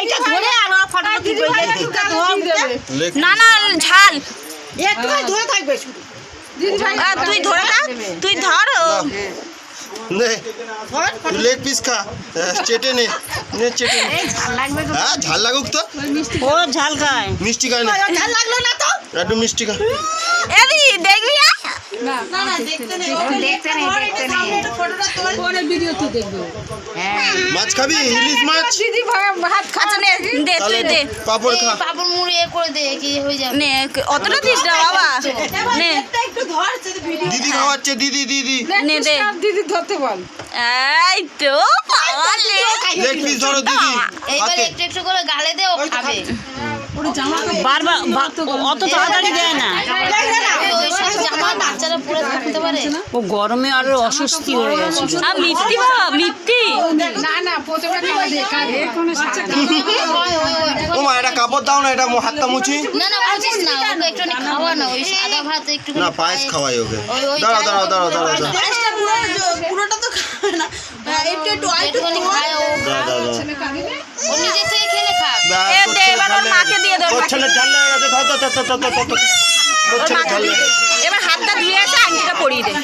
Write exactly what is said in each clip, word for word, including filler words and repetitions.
এইটা ধরে আর ফটোটা তুলবে না না ঝাল একটু ধরে থাকবে শুধু আহ, তুই ধরে না তুই ধর নে তুই লেগ পিস খা হ্যাঁ, চেটে নে নে চেটে নে হ্যাঁ ঝাল লাগুক তো ও ঝাল খায় মিষ্টি খায় না ঝাল লাগলো না তো একটু মিষ্টি খা এদি দেখবি না না দেখতে নেই দেখতে নেই দেখতে নেই ফটোটা তোল পরে ভিডিও তুই দেখবে হ্যাঁ মাছ খাবি ইলিশ মাছ দিদি ভাত আচ্ছা নে দে তাহলে তুই দে পাপড় খা পাপড় মুড়ি এ করে দে কি হয়ে যাবে নে অতটা দিস না বাবা নে একটু ধর ভিডিও দিদি খাওয়াচ্ছে দিদি দিদি নে দে দিদি ধরতে বল এই তো পাওয়ালে লেগ পিস ধরো দিদি এইবার হাতে একটু একটু করে গালে দে ও খাবে বারবার অত তাড়াতাড়ি দেয় না ওই ওই সব জামা বাচ্চারা পরে থাকতে পারে ও গরমে আরো অস্বস্তি হয়ে গেছে আর মিথ্যি বাবা মিথ্যি না না প্রথমে খাওয়া দিয়ে খাবে এখনো ওই ওই ওই ও মা এটা কাপড় দাও না এটা মো- হাতটা মুছি না না বুঝিস না ওকে একটু খাওয়া না ওই সাদা ভাত একটু না পায়েস খাওয়াই ওকে ওই ওই দাঁড়াও দাঁড়াও দাঁড়াও দাঁড়াও দাঁড়াও পুরোটা তো খাবে না একটু একটু একটুখানি খায় ও দাঁড়াও দাঁড়াও ও নিজে থেকে খেলে খা এ দে এবার ওর মাকে দিয়ে দে ওর তোর মাকে। ছেলে ঝাল লেগে গেছে ধর ধর ধর ধর ধর ধর ধর। তোর ওর ছেলে মাকে ঝাল দিয়ে লেগে দে গেছে। এবার হাতটা ধুয়ে এসে আংটিটা পরিয়ে দে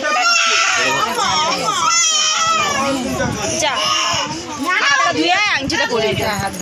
যা হাতটা ধুয়ে আয়, আংটিটা পরিয়ে দে